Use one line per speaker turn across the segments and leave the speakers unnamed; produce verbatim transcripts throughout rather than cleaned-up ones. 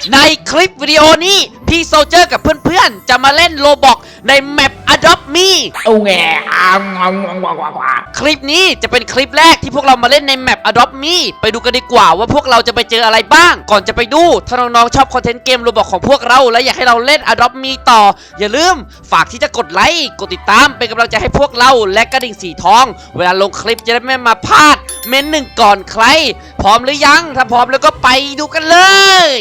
ในคลิปวิดีโอนี้พี่โซเจอร์กับเพื่อนๆจะมาเล่นโลบอกในแมป Adopt Me
โอ้แงอ่างงงงงง
คลิปนี้จะเป็นคลิปแรกที่พวกเรามาเล่นในแมป Adopt Me ไปดูกันดีกว่าว่าพวกเราจะไปเจออะไรบ้างก่อนจะไปดูถ้าน้องๆชอบคอนเทนต์เกมโลบอกของพวกเราและอยากให้เราเล่น Adopt Me ต่ออย่าลืมฝากที่จะกดไลค์กดติดตามเป็นกำลังใจให้พวกเราและกระดิ่งสีทองเวลาลงคลิปจะได้ไม่มาพลาดเม้นหนึ่งก่อนใครพร้อมหรือยังถ้าพร้อมแล้วก็ไปดูกันเลย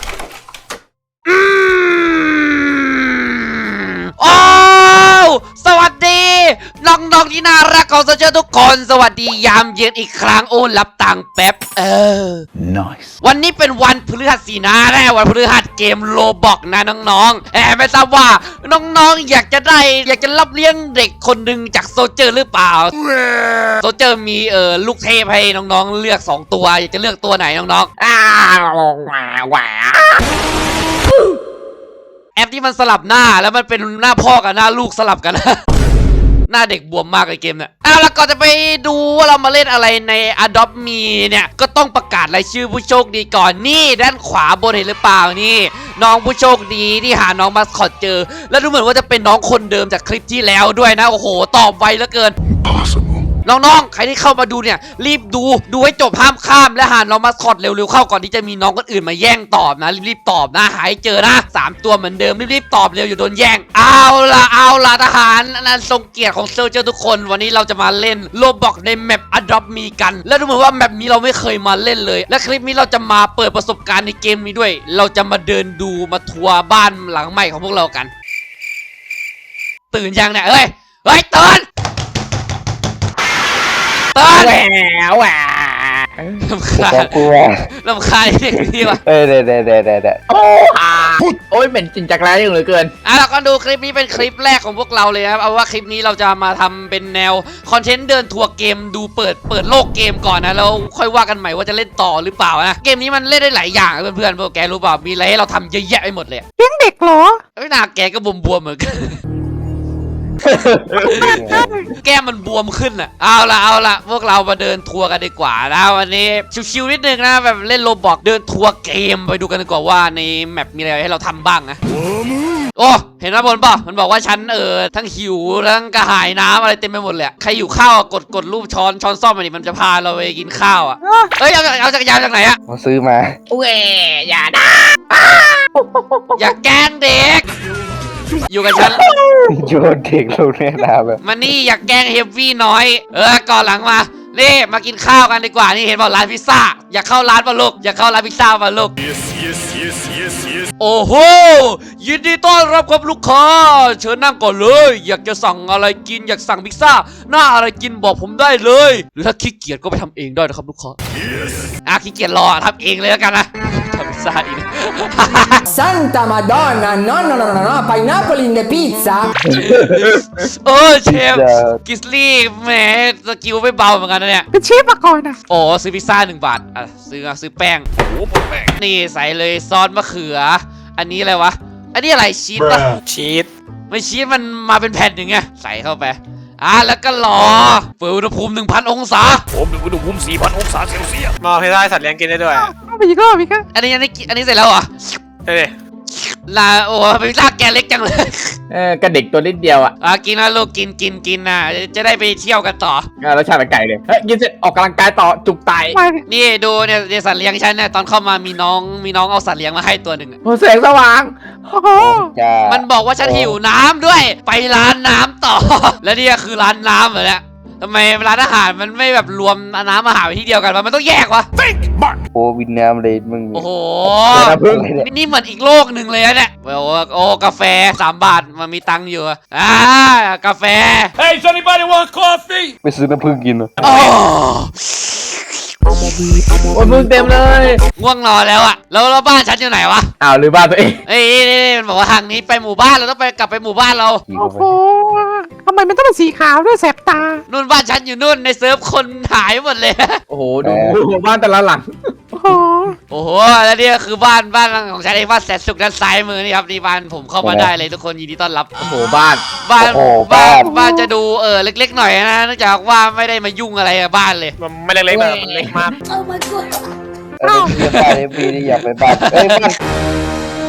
โอ้สวัสดีน้องๆที่น่ารักของโซเชียลทุกคนสวัสดียามเย็นอีกครั้งโอ้รับตังค์แป๊บเออ
nice
วันนี้เป็นวันพฤหัสสีนะแน่วันพฤหัสเกมโลบอกนะน้องๆแอบไม่ทราบว่าน้องๆอยากจะได้อยากจะรับเลี้ยงเด็กคนหนึ่งจากโซเจอร์หรือเปล่าโซเจอร์มีเออลูกเทพให้น้องๆเลือกสองตัวอยากจะเลือกตัวไหนน้องๆ
อ้าวแหวแหว
แอปที่มันสลับหน้าแล้วมันเป็นหน้าพ่อกับหน้าลูกสลับกัน หน้าเด็กบวมมากเลยเกมเนี่ยเอาแล้วก่อนจะไปดูว่าเรามาเล่นอะไรใน Adopt Me เนี่ยก็ต้องประกาศรายชื่อผู้โชคดีก่อนนี่ด้านขวาบนเห็นหรือเปล่านี่น้องผู้โชคดีที่หาน้องมาสคอตเจอแล้วดูเหมือนว่าจะเป็นน้องคนเดิมจากคลิปที่แล้วด้วยนะโอ้โหตอบไวเหลือเกิน
possible
น้องๆใครที่เข้ามาดูเนี่ยรีบดูดูให้จบห้ามข้ามและหาน้องมาสคอตเร็วๆเข้าก่อนที่จะมีน้องคนอื่นมาแย่งตอบนะรีบๆตอบนะหายเจอนะสามตัวเหมือนเดิมรีบๆตอบเร็วอยู่โดนแย่งเอาล่ะเอาล่ะทหารนั่นทรงเกียรติของเซอร์เจอร์ทุกคนวันนี้เราจะมาเล่นโลบอกในแมป Adopt Me กันและดูเหมือนว่าแมปนี้เราไม่เคยมาเล่นเลยและคลิปนี้เราจะมาเปิดประสบการณ์ในเกมนี้ด้วยเราจะมาเดินดูมาทัวร์บ้านหลังใหม่ของพวกเรากันตื่นยังเนี่ยเฮ้ยเฮ้ยตื่น
แหวแหว
ลำคาญ
กลัว
ลำคาญเด็กนี่วะ
เอ้ยเด้เด้เด้เด้เด้
โอ้ฮาโอ้ยเหม็นจริงจักรไรยังเหลือเกิน
อ่ะเราก็ดูคลิปนี้เป็นคลิปแรกของพวกเราเลยครับเอาว่าคลิปนี้เราจะมาทำเป็นแนวคอนเทนต์เดินทัวร์เกมดูเปิดเปิดโลกเกมก่อนนะแล้วค่อยว่ากันใหม่ว่าจะเล่นต่อหรือเปล่านะเกมนี้มันเล่นได้หลายอย่างเพื่อนๆพวกแกรู้เปล่ามีอะไรให้เราทำเยอะแยะไปหมดเลย
เลี้ยงเด็กเหรอ
เอ้ยหน้าแกก็บวมๆเหมือนกัน แก้มมันบวมขึ้นอ่ะเอาละเอาละพวกเรามาเดินทัวร์กันดีกว่านะวันนี้ชิวๆนิดนึงนะแบบเล่นโลบอกเดินทัวร์เกมไปดูกันดีกว่าว่าในแมปมีอะไรให้เราทำบ้างนะโอ้เห็นไหมบนป่ะมันบอกว่าฉันเออทั้งหิวทั้งกระหายน้ำอะไรเต็มไปหมดเลยใครอยู่ข้าวกดกดรูปช้อนช้อนซ่อมมันนี่มันจะพาเราไปกินข้าวอ่ะเอ้ยเอาเอาจักรยานจากไหนอ่ะ
มาซื้อมา
โอ้ยอย่านะ
อย่าแกล้งเด็กอยู่กับฉัน
โยนเด็กลงในน้ำแบบ
มานี่อยากแกล้งเฮฟวี่น้อยเออก่อนหลังมานี่มากินข้าวกันดีกว่านี่เห็นบอกร้านพิซซ่าอยากเข้าร้านป่ะลูกอยากเข้าร้านพิซซ่าป่ะลูก
Yes, yes, yes, yes, yes.
โอ้โหยินดีต้อนรับครับลูกค้าเชิญนั่งก่อนเลยอยากจะสั่งอะไรกินอยากสั่งพิซซ่าหน้าอะไรกินบอกผมได้เลยหรือถ้าขี้เกียจก็ไปทำเองได้นะครับลูกค้า
Yes.
อ่ะขี้เกียจรอทำเองเลยแล้วกันนะทำพิซซ่าอีก
Santa Madonna no no no no no pineapple in the pizza
เออเชฟกิสลี่แหมสกิลไม่เบาเหมือนกันนะเนี่ย
เป็นเชฟมาก่อนนะ
โอ้ซื้อพิซซ่าหนึ่งบาทอ่ะซื้อซื้อแป้ง
โอ้โหแม่ง
นี่ใส่เลยซอสมะเขืออันนี้อะไรวะอันนี้อะไรชีสปะ
ชีส
ไม่ชีสมันมาเป็นแผ่นอย่างเงี้ยใส่เข้าไปอ่ะแล้วก็รอเปิดอุณหภูมิ หนึ่งพัน องศา
ผมดูอุณหภูมิ สี่พัน องศาเซลเซียส
มอให้ได้สัตว์เลี้ยงกินได้ด้วย
เอาไปอีกรอบอีกครับ
อันนี้อันนี้อันนี้เสร็จแล้วเหรอ
เฮ้ย
ลาโอ้เป็นพิซซ่าแกเล็กจังเลย
เออกระเด็กตัวนิดเดียวอ่ะ
อ่ะกินนะลูกกินกินกินนะจะได้ไปเที่ยวกันต่อ
อ่ะรสชาติเป็นไก่เลยเฮ้ยกินเสร็จออกกำลังกายต่อจุกไต
ไป
นี่ดูเนี่ยเนี่ยสัตว์เลี้ยงฉันเนี่ยตอนเข้ามามีน้องมีน้องเอาสัตว์เลี้ยงมาให้ตัวหนึ่งอะ
โอ้แสงสว่าง
โอ้โห
จ้า
มันบอกว่าฉันหิวน้ำด้วย ไปร้านน้ำต่อ แล้วนี่คือร้านน้ำเหรอเนี่ยทำไมร้านอาหารมันไม่แบบรวมน้ำอาหารไว้ที่เดียวกันวะมันต้องแยกวะ
โอ้วินน้ำเลยมึง
โอ้โห
น้ำผึ้ง
นี่เหมือนอีกโลกหนึ่งเลยนะเนี่ยโอ้โอ้กาแฟสามบาทมันมีตังค์อยู่อะอ่ากาแฟ
Hey, does anybody want coffee?
ไปซื้อน้ำผึ้งกินเหรอ
โอ้
โอ้ยมึงเต็มเลย
ง่วงนอนแล้วอะแล้วแล้วบ้านฉันอยู่ไหนวะ
อ้าวหรือบ้านตัวเอง
เอ้ยนี่นี่มันบอกว่าทางนี้ไปหมู่บ้านเราต้องไปกลับไปหมู่บ้านเรา
ขี่
โอ้
เข้า
โห
ไป
ทำไมมันต้องเป็นสีขาวด้วยแสบตา
นู่นบ้านฉันอยู่นู่นในเซิร์ฟคนหายหมดเลย
โอ้โหดูบ้านแต่ละหลัง
โอ้โห
โอ้โหแล้วนี่ก็คือบ้านบ้านของฉันเองบ้านแสนสุขด้านซ้ายมือนี่ครับนี่บ้านผมเข้ามาได้เลยทุกคนยินดีต้อนรับ
โอ้โหบ้าน
บ้านบ้านบ้านจะดูเออเล็กๆหน่อยนะเนื่องจากว่าไม่ได้มายุ่งอะไรกับบ้านเลย
มันไม่เล็กๆแบบมันเล็กมาก
เออเพื่อนบ้านเอฟบีนี่อยากไปบ้านเอ้ยบ้าน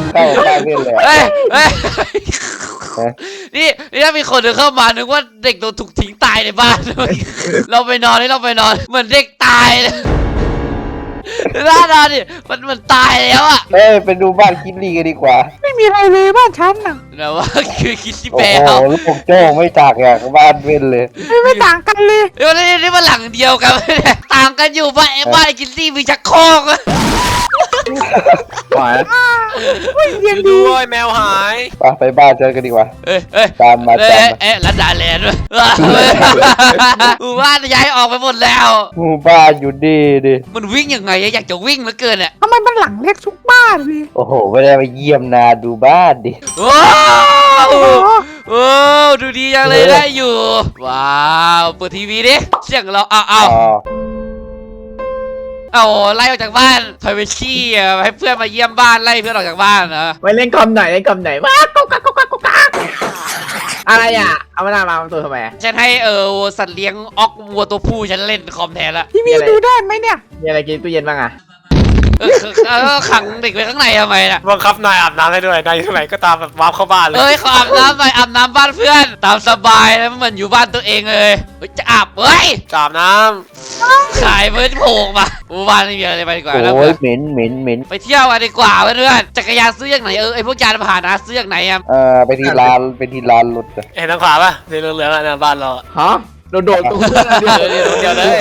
เข้าบ้านเล่นเลย
เฮ้ยเฮ้ยนี่นี่ถ้ามีคนเดินเข้ามานึกว่าเด็กโดนถูกทิ้งตายในบ้าน เราไปนอนนี่เราไปนอนเหมือนเด็กตายเลยน่านอนดิมันมันตายแล้วอะ
เอ้ยไปดูบ้านคิดลี่กันดีกว่า
ไม่มีอะไรเลยบ้านฉันน่ะ
แต่ว่าคือคิดที่
โอ้
แปล
โหลูกโจ้ไม่จากอย่างบ้านเว้นเลย
ไม่ไม่ต่างกันเลย
เดี๋ยวนี่นี่มันหลังเดียวกันเนี่ยต่างกันอยู่บ้านไอ้บ้านไอ้คิดซี่มีชักโครกอะ
หวาน
ไม่เย็น
ดู
ดี
ด้วยแมวหาย
ไปไปบ้านเจอกันดีกว่า
เอ้ยเอ้ย
ตามมา
เอ้
ตาม
ย
มา
เอ้ยรัดดาแลนด์ด้วยหมู่บ้านย้ายออกไปหมดแล้ว
หมู่บ้านอยู่ดีดิ
มันวิ่งยังไงอะอยากจะวิ่งเหลือเกินอะ
ทำไมมันหลังเล็กทุกบ้านเลย
โอ้โหไม่ได้มาเยี่ยมนาดูบ้านดิ
ว้าว
โอ้
โอ้ดูดีจังเลยได้อยู่ว้าวเปิดทีวีดิเสียงเราอ้าวอ้าว
อ๋อ
เอาไล่ออกจากบ้าน privacy อะให้เพื่อนมาเยี่ยมบ้านไล่เพื่อนออกจากบ้านนะ
ไปเล่นคอมหน่อยเล่นคอมหน่อยว้าวกุ๊กกักกุ๊กกักกุ๊กกักอะไรอ่ะเอามาหน้ามาตัวทำไม
ฉันให้เออสัตว์เลี้ยงออกวัวตัวผู้ฉันเล่นคอมแทนละ
ทีวีดูได้ไหมเนี่ย
มีอะไรกินตู้เย็นบ้างอ่ะ
เออเออขังเด็กไว้ข้างในทำไมน่ะ
บังคับนายอาบน้ำให้ด้วยนายอยู่ที่ไหนก็ตามแบบวาร์ปเข้าบ้านเลย
เอ้ยขออาบน้ำหน่อยอาบน้ำบ้านเพื่อน ตามสบายแล้วเหมือนอยู่บ้านตัวเองเลยเฮ้ยจะอาบเฮ้ย
อาบน้
ขายเพื่อนโผล่มาหมู่บ้านไม่มีอะไรไปดีกว่านะ
โอ้
เพื่
ย
อน
เหม็นเหม็นเหม็น
ไปเที่ยวกันดีกว่าเพื่อนๆจักรยานซื้อจากไหนเออไอพวกยานพาหนะซื้อจากไหนอะ
เอ่อไปที่ร้านไปที่ร้านรถอะ
ำเห็นทางขวาป่ะสีเหลืองๆอ่ะหน้าบ้านเราอะ
ฮะโดดโดดตรงเพื่อน
เดี๋ยวเดี๋ยวเดี๋ยวเลย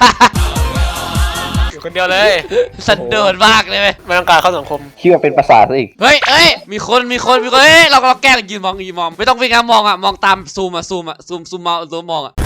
อยู่คนเดียวเลย
สันโดษมากเลยเว้ย
ไม่ต้องการเข้าสังคม
คิดว่าเป็นประสาทซะอีก
เฮ้ยเอ้ยมีคนมีคนมีคนเฮ้ยเราเราแกล้งยืนมองยืนมองไม่ต้องวิ่งนะมองอะมองตามซูมอะซูมอะซูมซูมมาซูมมองอะ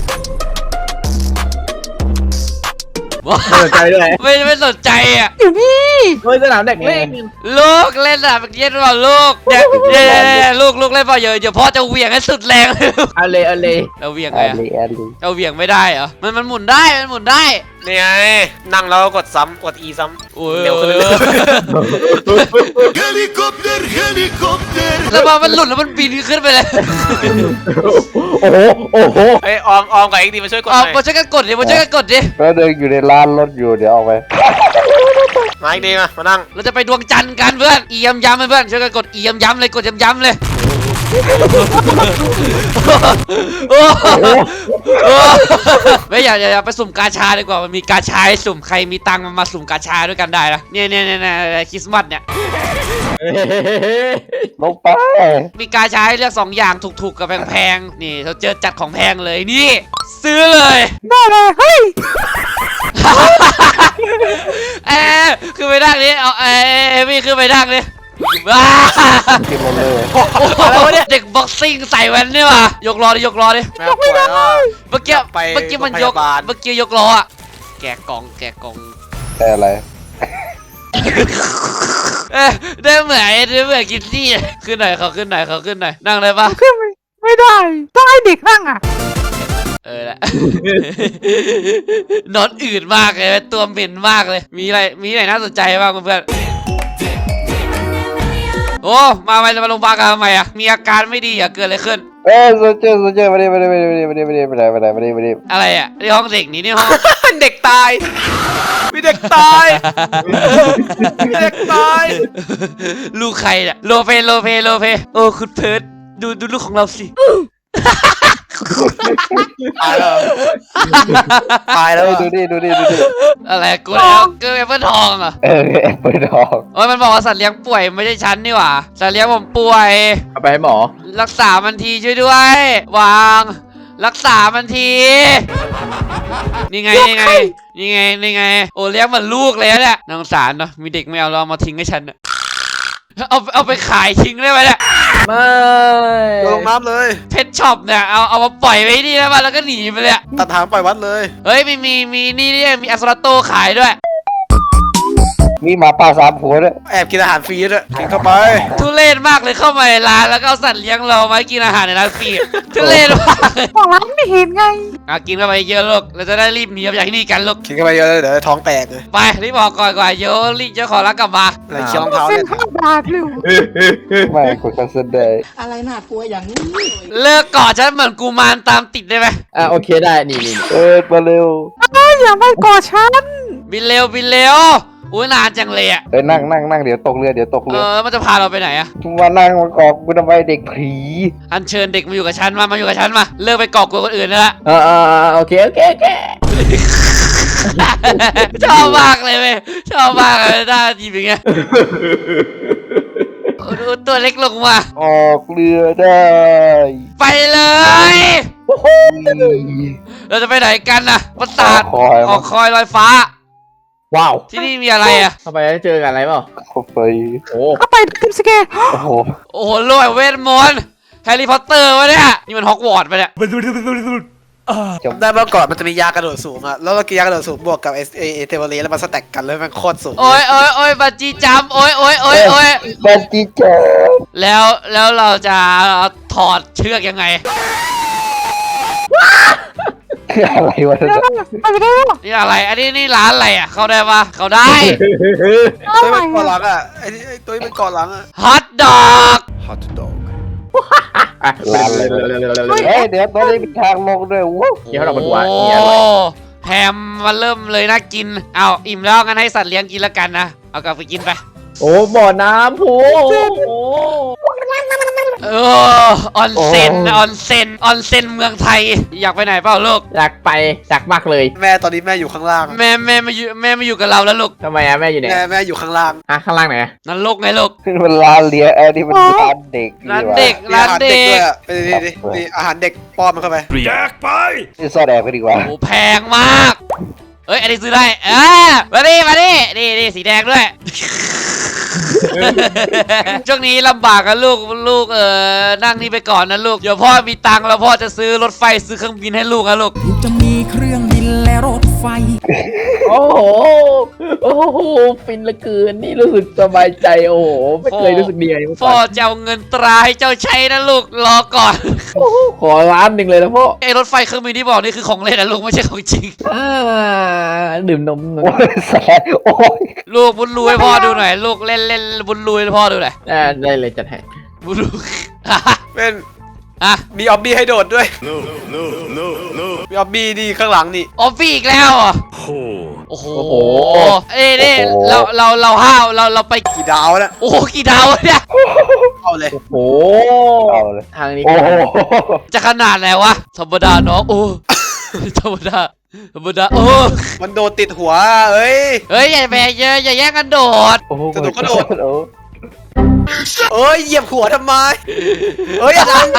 ว้า
ไม่สนใจด้วย
ไม่ไม่สนใจอะ
อยู่นี่
เฮ้ยสนามเด็กเล่น
ลูกเล่นอะเมื่อกี้เปล่าลูกเดี๋ยวเดี๋ยวเดี๋ยวเดี๋ยวลูกลูกเล่นเปล่าเดี๋ยวเดี๋ยวพ่อจะเหวี่ยงให้สุดแรงเลยลูก
เอาเลยเอาเลย
เราเหวี่ยง
แอ
ไง
ด
อะ
ลีแอดลี
เราเหวี่ยงไม่ได้เหรอมันมันหมุนได้มันหมุนได้
นี่ไงนั่งแล้วก็กดซ้ำกด E ซ้ำ
โอ้ย
เร็วขึ้นเรื่อย
Helikopter, helikopter.
แล้วพอมันหลุดแล้วมันบินขึ้นไปเลย
โอ้โหโอ้โห
เอ้ยออมออมกับเอ็กดีมาช่วยกดห
เอา
น่อย
มาช่วยกันกดดิมาช่วยกันกดดิ
แล้วเดินอยู่ในร้านรถอยู่เดี๋ยวออกไป
มาเอ็กดีมามานั่ง
เราจะไปดวงจันทร์กันเพื่อนอีย้ำย้ำเพื่อนช่วยกันกดอีย้ำย้ำเลยกดย้ำย้ำเลยโอ้โหโอ้โหไม่อย่าอย่าอย่าไปสุ่มกาชาดีกว่ามันมีกาชาให้สุ่มใครมีตังค์มามาสุ่มกาชาด้วยกันได้นะเนี่ยเนี่ยเนี่ยเนี่ยคริสต์มาสเนี่ย
ลงไป
มีกาชาให้เลือกสองอย่างถูกๆกับแพงๆนี่เราเจอจัดของแพงเลยนี่ซื้อเลย
ได้เลยเฮ้ย
เอ้ยขึ้นไปนั่งดิเอาเอ้ยพี่ขึ้นไปนั่งดิว้า
กินรถเลย
อะไรวะเนี่ยเด็กบ็อกซิ่งใส่แว่นนี่ว่ะยกล้อดิยกล้อดิ
แมวป่วยแล้วอะ
เมื่อกี้
ไป
เมื่อกี้มันยก
โรงพยาบาล
เมื่อกี้ยกล้ออะแกะกล่องแกะกล่อง
แต่อะไร
เอ้ยได้เหมือนได้เหมือนกินซี่ขึ้นหน่อยเขาขึ้นหน่อยเขาขึ้นหน่อยนั่งเลยปะ
ขึ้นไม่ไม่ได้ ต้องให้เด็กนั่งอ่ะ
เออแหละ นอนอืดมากเลยตัวเหม็นมากเลย มีอะไรมีอะไรน่าสนใจบ้างเพื่อนโอ้มาไปมาโรงพยาบาลกันทำไมอะมีอาการไม่ดีอะเกิดอะไรขึ้น
เอ้ยโซเจอร์โซเจอร์มาดิมาดิมาดิมาดิมาดิมาดิมาดิมาดิมาดิมาดิ
อะไรอะนี่ห้องเด็กนี่นี่ห้อง
เด็กตายมีเด็กตายมีเด็กตาย
ลูกใครเนี่ยโลเปโลเปโลเปโอ้คุณเพิร์ดดูดูลูกของเราสิ
ตายแล้วตายแล้ว
เอ้ยดูดิดูดิดูดิ
อะไรกูแล้วเกิดแอปเปิลทองเหรอ
เออแอปเปิลทอง
โอ้ยมันบอกว่าสัตว์เลี้ยงป่วยไม่ใช่ฉันนี่หว่าสัตว์เลี้ยงผมป่วย
เอาไปให้หมอ
รักษามันทีช่วยด้วย วาง รักษามันที นี่ไงนี่ไงนี่ไงนี่ไงโอ้เลี้ยงเหมือนลูกเลยเนี่ยน่าสงสารเนาะมีเด็กไม่เอาเราเอามาทิ้งให้ฉันอะเอาเอาไปขายทิ้งได้ไหมเนี่ย
ไม่
ลงน้ำเลย
เพชช็อปเนี่ยเอาเอามาปล่อยไว้นี่ได้ป่ะแล้วก็หนีไปเลยอะ
ตัดหางปล่อยวัดเลย
เฮ้ยมีมีมีนี่นี่มีอัสโตรโตขายด้วย
มีหมาป่าสามหัวด้วย
แอบกินอาหารฟรีด้วยกินเข้าไป
ทุเรศมากเลยเข้ามาในร้านแล้วก็เอาสัตว์เลี้ยงเรามาให้กินอาหารในร้านฟรีทุเรศมากเลย
บอกร้านไม่เห็นไง
อ่ะกินเข้าไปเยอะลูกเราจะได้รีบหนีออกจากที่นี่กันลูก
กินเข้าไปเยอะเลยเดี๋ยวท้องแตกเลย
ไปรีบออกก่อนก่อนเดี๋ยวรีบเจ้าของร้านกลับมา
อะไรเคี้ยวรองเท้า
เส้
เนี่ย
นห้าบาทเลย
ไม่กดคันเซนได้
อะไรน่ากลัวอย่างนี้
เลิกกอดฉันเหมือนกูมารตามติดได้ไหม
อ่ะโอเคได้นี่นี่
เออมาเร็ว
เอ้ยอย่าไปกอดฉัน
บินเร็วบินเร็วอุ้ยนานจังเลยอ่ะ
เอ้ยนั่งนั่งนั่งเดี๋ยวตกเรือเดี๋ยวตก
เอ
เรือ
อมันจะพาเราไปไหนอ่ะ
มานั่งมากอบกูทำไมเด็กผี
อัญเชิญเด็กมาอยู่กับฉันมามาอยู่กับฉันมาเลิกไปก่อกวนคนอื่นแล้ว
อ่าอ่าโอเคโอเคโอเค
ชอบมากเลยเว้ยชอบมากเลยหน้าจีบอย่างเงี้ยโอ้โหตัวเล็กลงมา
ออกเรือได้
ไปเลย เราจะไปไหนกันนะปราสาท
คอย
ออกคอยลอยฟ้า
ว้าว
ที่นี่มีอะไรอ่ะ
เข้าไปแล้วเจอกันอะไรเปล่า
เข้าไป
โอ้
เข้าไปทิมสแกร์
โอ้โห
โอ้โหโลกเวทมนต์แฮร์รี่พอตเตอร์วะเนี่ยนี่มันฮอกวอตส์ไปเนี่ย
ได้เมื่อก่อนมันจะมียากระโดดสูงอะแล้วเรากินยากระโดดสูงบวกกับเอเอเอเทเบอรีแล้วมันสแต็กกันแล้วมันโคตรสูง
โอ้ยโอ้ยโอ้ยบัจจีจัมป์โอ้ยโอ้ยโอ้ยโอ้ย
บันจีเจอ
แล้วแล้วเราจะถอดเชือกยังไง
คืออะไรวะเนี่ย
ไปไม่ได้หรอ
นี่อะไร อันนี้นี่ร้านอะไรอ่ะ เข้าได้ปะเข้าได้
ตัวเป็นเกาะหลังอะไอ้ไอ้ตัวเป็นเกาะหลังอะ
ฮอทดอก
Hot dog
ร้านอะไรวะเฮ้ยเดี๋ยวตอนนี้มีทางลงด้วยว้าว
เกี่ยวเราเป็นหวาน
โอ้
เนี่ยอร่อย
แฮมมาเริ่มเลยน่ากิน เอาอิ่มแล้วงั้นให้สัตว์เลี้ยงกินแล้วกันนะ เอากลับไปกินไป
โอ้บ่อน้ำพูโอ้
เออออนเซนออนเซนออนเซนเมืองไทย อยากไปไหนเปล่าลูก
อยากไปอยากมากเลย
แม่ตอนนี้แม่อยู่ข้างล่าง
แม่แม่มาอยู่แม่มาอยู่กับเราแล้วลูก
ทำไมอะแม่อยู่ไหน
แม่แม่อยู่ข้างล่าง
ฮะข้างล่างไหนอะ
นั่นลูกไงลูก
นี่มันร้านเลี้ยงไอ้นี่มันร้านเด็ก
ร้านเด็ก
มี
ร้า
อาน หาร
เด็
เด็กด้วย
ก
อะไปดิดิดิอาหารเด็กป้อนมันเข้าไป
แจกไป
นี่ซ่อนแอบกันดีกว่า
โอ้แพงมาก เอ้ย อันนี้ซื้อได้อ่ามาดิมาดินี่นี่สีแดงด้วย ช่วงนี้ลำบากกันลูกลูกเออนั่งนี่ไปก่อนนะลูก เดี๋ยวพ่อมีตังค์แล้วพ่อจะซื้อรถไฟซื้อเครื่องบินให้ลูกนะลูก
ลูกจะมีเครื่องบินและรถไฟ
โอ้โหโอ้โหฟินเหลือเกินนี่รู้สึกสบายใจโอ้โหไม่เคยรู้สึกดีอะไรมา
พ่
ก่
อ
อน
จะเอาเงินตราให้เจ้าใช้นะลูกรอก่อน
โอ้โหขอล้านหนึ่งเลยนะพ่อ
ไอ้รถไฟเครื่องบินที่บอกนี่คือของเล่นนะลูกไม่ใช่ของจริง
อ่าดื่มนมหน่
โอ้
อย
ยแสบโอ้ย
ลูกบุญรูให้พ่อดูหน่อยลูกเล่นเล่นบุญรูให้พ่อดูหน่อย
อ่าได้เลยจัดให้
บุญรู
เป็น
อ่ะ
มีออบบี้ให้โดดด้วย
No no no no
มีออบบี้ดีข้างหลังนี่
ออฟฟี่อีกแล้วเหรอ
Oh
โอ้โหเอ้ยนี่เราเราเราห้าวเราเราไป
กี่ดาวนะ
โอ้โหกี่ดาวเนี่ย
เอาเลย
โอ้โห
เอาเลย
ทางนี้
โอ้โห
จะขนาดไหนวะธรรมดาเนาะโอ้ ธรรมดาธรรมดาโอ้
มันโดดติดหัวเอ้ย
เฮ้ยอย่าแบกเยอะอย่าแย่งกันโดด
โอ้โห
กระโดดกระโดด
โอ้
เอ้ยเหยียบหัวทำไมเอ้ยอย่าทำดิ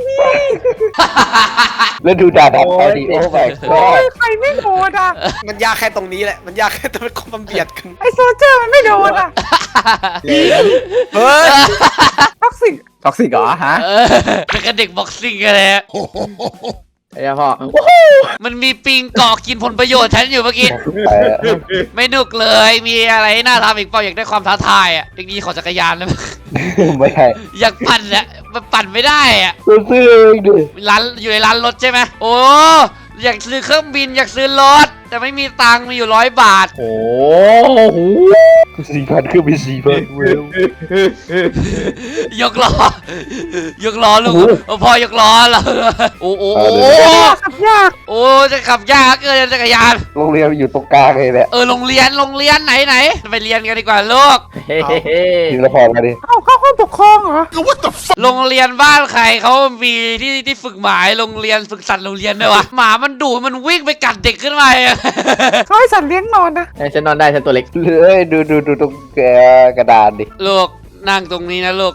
แล้วดูด่าดับไปดิโอ้ my
โอ้
god
ยใครไม่โดนอ่ะ
มันยากแค่ตรงนี้แหละมันยากแค่ตรงมันเบียดกัน
ไอโซเจอร์มันไม่โดนอ่ะ
เฮ้ย
ท็อกซิก
ท็อกซิกเหรอฮะ
เออเป็นกันเด็กบ็อกซิ่งกันเลยอะ
ไอ้เจ้าพ่อ
มันมีปิงเกาะกินผลประโยชน์ฉันอยู่เมื่อกี้
ไปแล้ว
ไม่นุกเลย มีอะไรให้น่าทำอีกเปล่าอยากได้ความท้าทายอ่ะเด็กดีขอจักรยานเลย
ไม่ใช่
อยากปั่นอ่ะมันปั่นไม่ได้อ่ะ
ซื้อเองดิ
ร้านอยู่ในร้านรถใช่ไหมโอ้อยากซื้อเครื่องบินอยากซื้อรถ แต่ไม่มีตังค์มีอยู่ร้อยบาท
โอ้โห
สี่พันคือมีสี่พันเวล
ยกล้อยกล้อลูกเอาพ่อยกล้อแล้วโอ้โหโอ้โห
ขับยาก
โอ้จะขับยากเกินจักรยาน
โรงเรียนอยู่ตรงกลางเลยเนี่ย
เออโรงเรียนโรงเรียนไหนไหนไปเรียนกันดีกว่าลูก
เฮ้
ทีละพรมาดิ
เอาเข้าห้องปกครองเหรอ
โรงเรียนบ้านใครเขามีที่ที่ฝึกหมาโรงเรียนฝึกสัตว์โรงเรียนด้วยวะหมามันดุมันวิ่งไปกัดเด็กขึ้นมาอะ
เขาให้สัตว์เลี้ยงนอนนะ
ฉันนอนได้ฉันตัวเล็ก
เอ้ยดูดูดูตรงแกกระดานดิ
ลูกนั่งตรงนี้นะลูก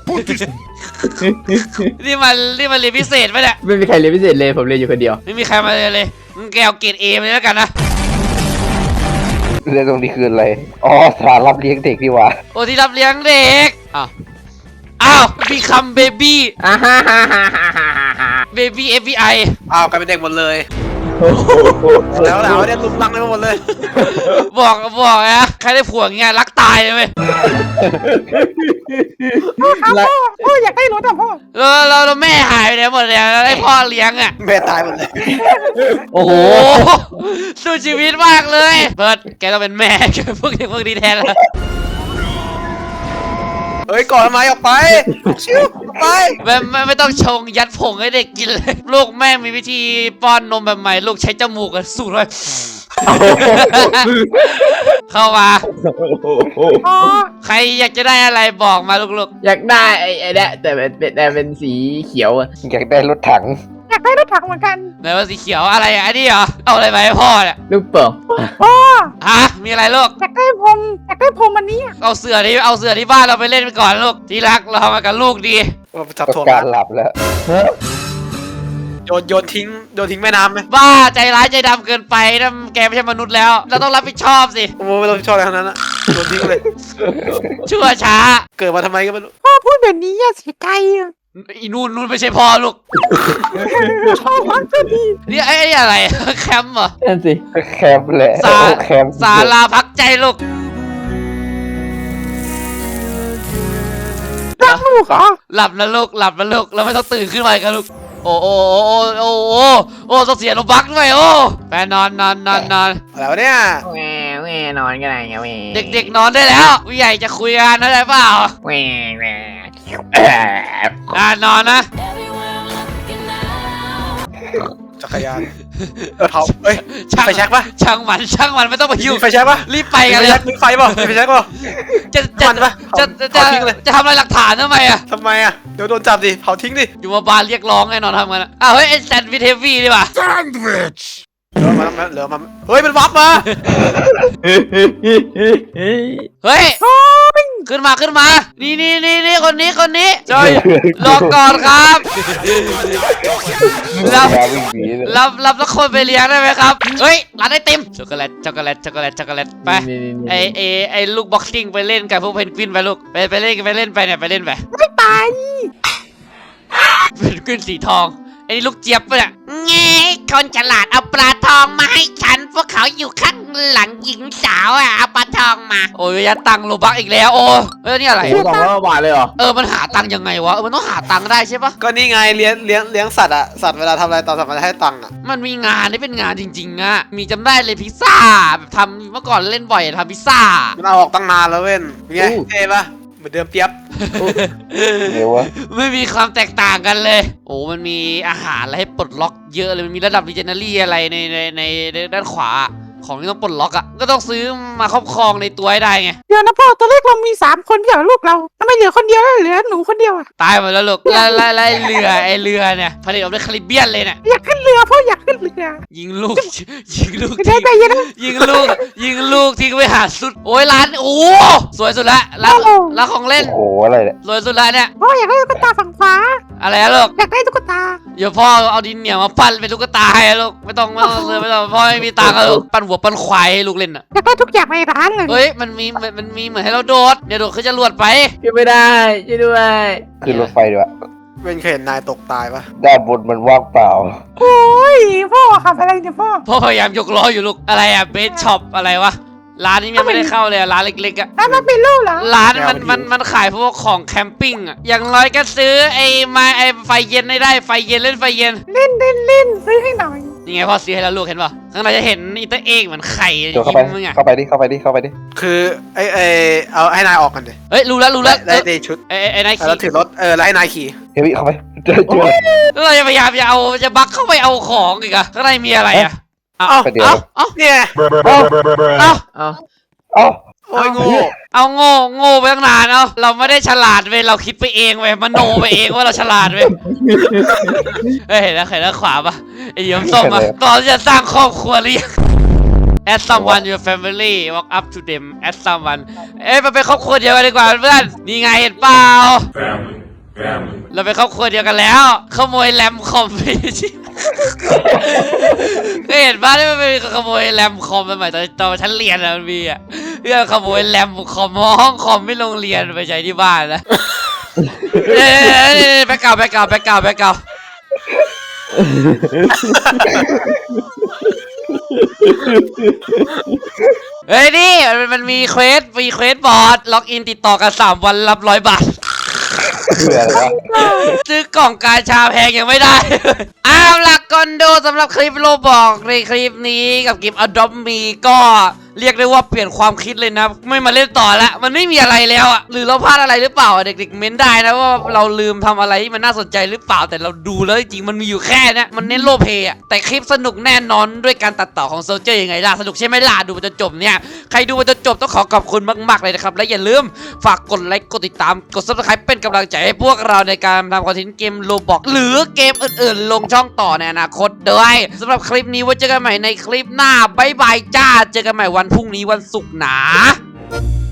นี่มันนี่มันเรียนพิเศษปะเนี่ย
ไม่มีใครเรียนพิเศษเลยผมเรียนอยู่คนเดียว
ไม่มีใครมาเลยนเลยมึงแกเอาเกรดเอมาเลยแล้วกันนะ
เรื่องตรงนี้คืออะไรอ๋อสถานรับเลี้ยงเด็กดีกว่า
โอ้ที่รับเลี้ยงเด็กอ้าวอ้าวมีคำเบบี้
อ่าฮ่าฮ่าฮ่าฮ่าฮ่าฮ่า
เบบี้เอฟบีไอ
อ้าวกลายเป็นเด็กหมดเลยแล้วแล้วเนี่ยลุมลังไปหมดเลย
บอกบอกนะใครได้ผัวอย่างเงี้ยรักตายเลยเว้ย
พ่อครับพ่อพ่ออยากได้รถอ่ะพ่อ
แล้วแล้วแล้วแม่หายไปไหนหมดเลยแล้วให้พ่อเลี้ยงอ่ะ
แม่ตายหมดเลย
โอ้โหสู้ชีวิตมากเลยเพิร์ดแกต้องเป็นแม่แกเป็นพวกเด็กพวกนี้แทนละ
เฮ้ยก่อนทำไมออกไปชิวออกไป
ไม่ไม่ไม่ต้องชงยัดผงให้เด็กกินเลยลูกแม่มีวิธีป้อนนมแบบใหม่ลูกใช้จมูกอะสูดเลยเข้ามา ใครอยากจะได้อะไรบอกมาลูก
อยากได้ไอ้ไอ้เนี่ยแต่เป็นแต่เป็นสีเขียวอะ
อยากได้รถถัง
อยากได้รถถังเหมือนกัน
ๆไหนว่าสีเขียวอะไรอ่ะอันนี้เหรอเอาอะไรมาให้พ่อเนี่ย
ลูกโป่ง
พ่อ
ฮะมีอะไรลูก
อยากได้พรมอยากได้พรมอันนี้อะ
เอาเสือที่เอาเสือที่บ้านเราไปเล่นไปก่อนลูกที่รักเราทำมากับลูกดี
ว่าจับ
ประ
ถ่วง
กาศหลับแล้ว
โยนโยนทิ้งโยนทิ้งแม่น้ำไหม
บ้าใจร้ายใจดำเกินไปนะแกไม่ใช่มนุษย์แล้ว เราต้องรับผิดชอบสิ
โอ้โหไม่ต้องชอบอะไรทั้งนั้นอะโยนทิ้งเลย
ชั่วช้า
เกิดมาทำไมก็ไม่รู้
พ่อพูดแบบนี้อย่าเสียใจอะ
อีนู่นนู่นไม่ใช่พ่อลูก
พ่อรักก็ดี
นี่ไอ้ไอ้อะไร แคมป์เหรอ
นั่นสิ
แคมป์แหละ
สา
แคมป์
ศาลาพักใจลูก
รักลูกเหรอ
หลับนะลูกหลับนะลูกเราไม่ต้องตื่นขึ้นมาอีกันลูกโอ้โอ้โอ้โอ้โอ้โอ้ต้องเสียโลบักด้วยโอ้แปนอนนอนนอนนอน
อะไรวะเนี่ย
แหวแหวนอนกันไหนแหว
เด็กๆนอนได้แล้วผู้ใหญ่จะคุยกันได้เปล่า
แหวแหว
อ่านอนนะ
จักรยานเออเผาเอ้ย
ช่าง
ไฟแช็กปะ
ช่างมันช่างมันไม่ต้องมายุ่ง
มีไฟแช็กปะ
รีบไป
มี
กัน
ไฟ
เลย
แช็กมีไฟเปล่ามีไฟแช็กเปล่า
จะจะ
มันปะ
จะ
เผา
จะ
เผาทิ้งเลย
จะทำอะไรหลักฐานทำไมอะ
ทำไมอะเดี๋ยวโดนจับดิเผาทิ้งดิ
อยู่มาบานเรียกร้องแน่นอนทำกันอะอ้าวเฮ้ยไอ้แซนด์วิชเทฟวี่ดีป่ะ
เหลือมาเหลือมาเฮ้ยมันวับมา
เฮ้ยขึ้นมาขึ้นมา นี่นี่นี่นี่คนนี้คนนี้จอยรอก่อนครับรับ
แคมป์วิ่งหนีเลย
รับรับแล้วคนไปเลี้ยงได้ไหมครับเฮ้ยร้านไอติมช็อกโกแลตช็อกโกแลตช็อกโกแลตช็อกโกแลตไปไอไอไอลูกบ็อกซิ่งไปเล่นกับพวกเพนกวินไปลูกไปไปเล่นไปเล่นไปเนี่ยไปเล่นไป
ไม่ไป
เพนกวินสีทองไอ้นี่ลูกเจี๊ยบปะเนี่ยไงคนฉลาดเอาปลาทองมาให้ฉันพวกเขาอยู่ข้างหลังหญิงสาวอ่ะเอาปลาทองมาโอ้ยยัดตังค์โลบักอีกแล้วโอ้เฮ้ยนี่อะไร
โอ้สองร้อยบาทเลยเหรอ
เออมันหาตังค์ยังไงวะเออมันต้องหาตังค์ได้ใช่ปะ
ก็นี่ไงเลี้ยงเลี้ยงเลี้ยงสัตว์อะสัตว์เวลาทำอะไรตอนสัตว์มันจะให้ตังค์อะ
มันมีงานที่เป็นงานจริงๆอะมีจำได้เลยพิซซ่าแบบทำเมื่อก่อนเล่นบ่อยทำพิซซ่า
มันเอาออกตั้งนานแล้วเว้นเป็นไงเท่ปะเหมือนเดิมเปียบ
เดี๋ยววะ
ไม่มีความแตกต่างกันเลย โอ้มันมีอาหารอะไรให้ปลดล็อกเยอะเลยมันมีระดับดิเจเนอรี่อะไรในในในในด้านขวาของที่ต้องปลดล็อกอะก็ต้องซื้อมาครอบครองในตัวให้ได้ไง
เดี๋ยวนะพ่อตอนแรกเรามีสามคนเดียวลูกเราทำไมเหลือคนเดียวแล้วเหลือหนูคนเดียวอะ
ตายหมดแล้วลูกแล้วแล้วแล้วไอ้เรือไอ้เรือเนี่ยผลิตออกด้วยคาริบเบียนเลยเนี่ย
อยากขึ้นเรือพ่ออยากขึ้นเรือ
ยิงลูก ยิงลูก
ได้
ทิ้ง
ใจเย็นนะ
ยิงลูกยิงลูกทิ้งไปหาสุดโอ้ยร้านโอ้สวยสุดละร้าน
โอ้
ร้านของเล่น
โอ้โหอะไรเนี่ย
สวยสุดละเนี่ย
พ่ออยากได้ตุ๊กตาฝั่งขวา
อะไรอะลูก
อยากได้ตุ๊กตา
เดี๋ยวพ่อเอาดินเหนียวมาปั้นเป็นตุ๊กตาให้อะลูกไม่ต้องไม่ต้องซื้อไม่ต้องพ่อไม่มีตังค์อะลูกปั้นหัวปั้นควายให้ลูกเล่นอะ
อยากได้ทุกอย่างในร้านเลย
เฮ้ยมันมีมันมันมีเหมือนให้เราโดดเดี๋ยวโดดขึ้นจรวดไป
ขึ้นไม่ได้ช่วยด้วย
ขึ้นรถไฟดีกว่า
เว้นเคยเห็นนายตกตายปะ
ด้านบนมันว่างเปล่า
โอ้ยพ่อขับอะไรเนี่ยพ่อ
พ่อพยายามยกล้ออยู่ลูกอะไรอะเบสช็อปอะไรวะร้านนี้ยังไม่ได้เข้าเลยอะร้านเล็กๆอะ
ร้านมันเป็นลูกเหรอ
ร้านมันมันมันขายพวกของแคมปิ้งอะอย่างน้อยก็ซื้อไอ้ไม้ไอ้ไฟเย็นได้ได้ไฟเย็นเล่นไฟเย็น
เล่นเล่นเล่นซื้อให้หน่อย
นี่ไงพ่อซื้อให้แล้วลูกเห็นป่ะข้างในจะเห็นอีเตอร์เอ็กเหมือนไข่
เดี๋ยวเข้าไป
มึงอะ
เข้าไปดิเข้าไปดิเข้าไปดิ
คือไอไอเอาให้นายออกกันดิ
เฮ้ยรู้แล้วรู้แล้ว
ได้ได้ชุด
ไอ้ไอ้ไอ้นาย
แล้ว
ขี่
ถือรถเออแล้วให้นายขี่
เฮ้ยเข้าไปเจอเจอ
แล้วเราจะพยายามจะเอาจะบักเข้าไปเอาของอีกอะข้างในมีอะไรอะเอา
เอ้า
ไปเดี๋ยว
เอาเอา
เนี่ย
เอา
เอ้า
เอ้า
โอ้ยโงู
เอาโง่โง่ไปตั้งนานเอาเราไม่ได้ฉลาดเว้ยเราคิดไปเองเว้ยมโนไปเองว่าเราฉลาดเว้ยเฮ้ยเห็นแล้วเห็นแล้วขวาปะไอ้เหี้ยมส้มอะตอนที่จะสร้างครอบครัวหรือยัง Add someone your family walk up to them add someone เอ้ยมันเป็นครอบครัวเดียวกันดีกว่าเพื่อนนี่ไงเห็นเปล่า เราเป็นครอบครัวเดียวกันแล้วขโมยแรมคอมไปชิก็เห็นบ้านที่มันเป็นขโมยแรมคอมสมัยตอนตอนฉันเรียนอะมันมีอะเพื่อขโมยแรมคอมห้องคอมไม่โรงเรียนไปใช้ที่บ้านนะเอ้ยแบกเก่าแบกเก่าแบกเก่าแบกเก่าเฮ้ยนี่มันมันมีเควสมีเควสบอร์ดล็อกอินติดต่อกันสามวันรับร้อยบาท
เพื่ออะไรวะ
ซื้อกล่องกาชาแพงยังไม่ได้ อ้าวหลักก่อนดูสำหรับคลิปโลบอกในคลิปนี้กับคลิป Adopt Me ก็เรียกได้ว่าเปลี่ยนความคิดเลยนะไม่มาเล่นต่อละมันไม่มีอะไรแล้วอ่ะหรือเราพลาดอะไรหรือเปล่าเด็กๆเม้นได้นะว่าเราลืมทำอะไรที่มันน่าสนใจหรือเปล่าแต่เราดูแล้วจริงๆมันมีอยู่แค่นี้มันเน้นโลเพอ่ะแต่คลิปสนุกแน่นอนด้วยการตัดต่อของโซลเจอร์ยังไงล่ะสนุกใช่ไหมล่ะดูไปจนจบเนี่ยใครดูไปจนจบต้องขอขอบคุณมากๆเลยนะครับและอย่าลืมฝากกดไลค์กดติดตามกด ซับสไครบ์ เป็นกำลังใจให้พวกเราในการทำคอนเทนต์เกมโลบอกหรือเกมอื่นๆลงช่องต่อในอนาคตด้วยสำหรับคลิปนี้ไว้เจอกันใหม่ในคลิปหน้าบ๊ายบายจ้าเจอกันใหม่วันพรุ่งนี้วันศุกร์นะ